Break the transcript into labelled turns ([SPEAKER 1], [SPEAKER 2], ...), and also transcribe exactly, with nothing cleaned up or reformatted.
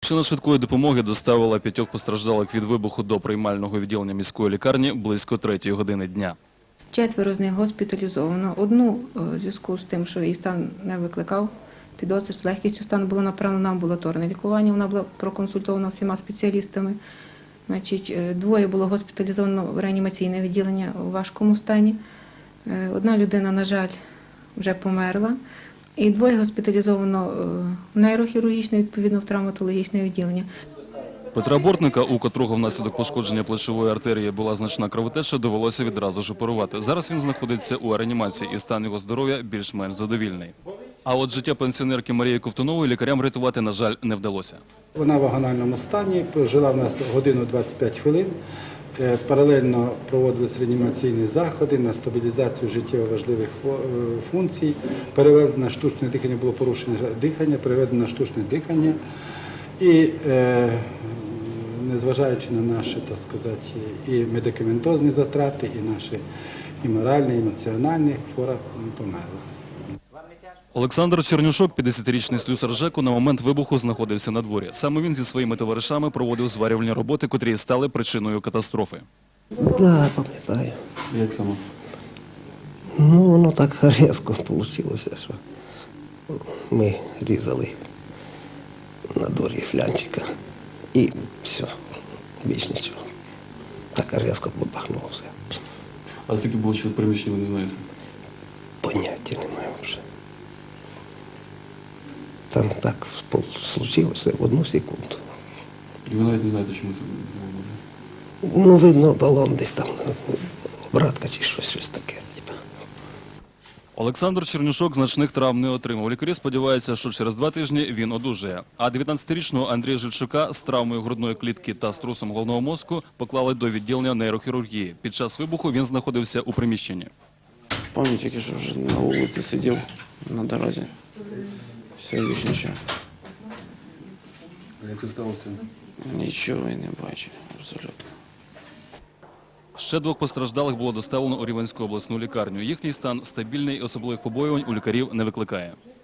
[SPEAKER 1] Машина швидкої допомоги доставила п'ятьох постраждалих від вибуху до приймального відділення міської лікарні близько третьої години дня.
[SPEAKER 2] Четверо з них госпіталізовано. Одну у зв'язку з тим, що її стан не викликав підозри, з легкістю стану було направлено на амбулаторне лікування. Вона була проконсультована всіма спеціалістами. Значить, двоє було госпіталізовано в реанімаційне відділення у важкому стані. Одна людина, на жаль, вже померла. І двоє госпіталізовано в нейрохірургічне, відповідно, в травматологічне відділення.
[SPEAKER 1] Петра Бортника, у котрого внаслідок пошкодження плечової артерії була значна кровотеча, довелося відразу ж оперувати. Зараз він знаходиться у реанімації і стан його здоров'я більш-менш задовільний. А от життя пенсіонерки Марії Ковтунової лікарям врятувати, на жаль, не вдалося.
[SPEAKER 3] Вона в агональному стані, жила в нас годину двадцять п'ять хвилин. Паралельно проводились реанімаційні заходи на стабілізацію життєво важливих функцій. Переведено на штучне дихання, було порушення дихання, переведено на штучне дихання. І е, незважаючи на наші, так сказати, і медикаментозні затрати, і наші і моральні, і емоціональні, хвора померла.
[SPEAKER 1] Олександр Чернюшок, п'ятдесятирічний слюсар ЖЕКу, на момент вибуху знаходився на дворі. Саме він зі своїми товаришами проводив зварювальні роботи, котрі стали причиною катастрофи.
[SPEAKER 4] Так, да, пам'ятаю.
[SPEAKER 1] Як саме?
[SPEAKER 4] Ну, воно так різко вийшло, що ми різали на дворі флянчика і все, більш нічого. Так різко побахнуло все.
[SPEAKER 1] А скільки було чоловік приміщення, ви не знаєте?
[SPEAKER 4] Поняття немає вже. Там так случилося в одну секунду.
[SPEAKER 1] І ви навіть не знаєте, чому це було?
[SPEAKER 4] Ну, видно, балон десь там, обратка чи щось, щось таке. Типу.
[SPEAKER 1] Олександр Чернюшок значних травм не отримав. Лікарі сподіваються, що через два тижні він одужає. А дев'ятнадцятирічного Андрія Жильчука з травмою грудної клітки та струсом головного мозку поклали до відділення нейрохірургії. Під час вибуху він знаходився у приміщенні.
[SPEAKER 5] Пам'ятаю тільки, що вже на вулиці сидів, на дорозі. Все, більше нічого.
[SPEAKER 1] Як це сталося?
[SPEAKER 5] Нічого я не бачив, абсолютно.
[SPEAKER 1] Ще двох постраждалих було доставлено у Рівненську обласну лікарню. Їхній стан стабільний, особливих побоювань у лікарів не викликає.